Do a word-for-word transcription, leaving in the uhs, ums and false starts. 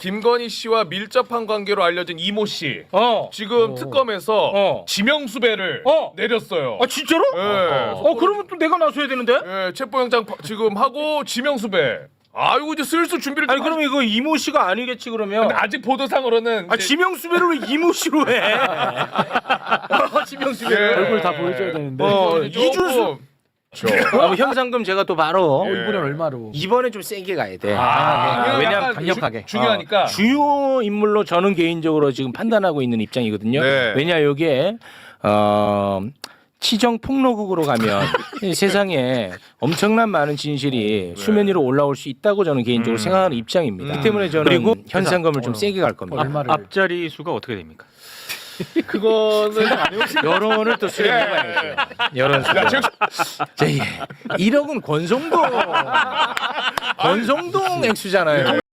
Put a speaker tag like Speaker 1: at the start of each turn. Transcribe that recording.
Speaker 1: 김건희 씨와 밀접한 관계로 알려진 이모 씨.
Speaker 2: 어.
Speaker 1: 지금
Speaker 2: 어.
Speaker 1: 특검에서
Speaker 2: 어.
Speaker 1: 지명수배를
Speaker 2: 어.
Speaker 1: 내렸어요.
Speaker 2: 아 진짜로?
Speaker 1: 예.
Speaker 2: 어 그러면 또 내가 나서야 되는데?
Speaker 1: 예, 체포영장 파- 지금 하고 지명수배. 아이고 이제 슬슬 준비를.
Speaker 2: 아니
Speaker 1: 좀
Speaker 2: 그럼 이거 이모 씨가 아니겠지 그러면?
Speaker 1: 근데 아직 보도상으로는
Speaker 2: 아
Speaker 1: 이제-
Speaker 2: 지명수배를 왜 이모 씨로 해? 어, 지명수배를.
Speaker 1: 예.
Speaker 3: 얼굴 다 보여줘야 되는데.
Speaker 2: 어,
Speaker 1: 조금-
Speaker 2: 이준수. 아, 뭐 현상금 제가 또 바로
Speaker 1: 예.
Speaker 3: 이번엔 얼마로?
Speaker 2: 이번에 좀 세게 가야 돼.
Speaker 1: 아,
Speaker 2: 예. 왜냐면
Speaker 1: 약간
Speaker 3: 강력하게.
Speaker 1: 주, 중요하니까.
Speaker 2: 어, 주요 인물로 저는 개인적으로 지금 판단하고 있는 입장이거든요.
Speaker 1: 네.
Speaker 2: 왜냐 여기에 어, 치정 폭로국으로 가면 이 세상에 엄청난 많은 진실이 수면 위로 올라올 수 있다고 저는 개인적으로
Speaker 1: 음.
Speaker 2: 생각하는 입장입니다.
Speaker 1: 음.
Speaker 2: 그 때문에 저는
Speaker 4: 그리고
Speaker 2: 현상금을 좀
Speaker 3: 어.
Speaker 2: 세게 갈 겁니다.
Speaker 3: 얼마를?
Speaker 4: 앞자리 수가 어떻게 됩니까?
Speaker 1: 그거는
Speaker 2: 여론을 또 수렴해봐야죠. 여론 수렴. 제 일억은 권성동 권성동 액수잖아요.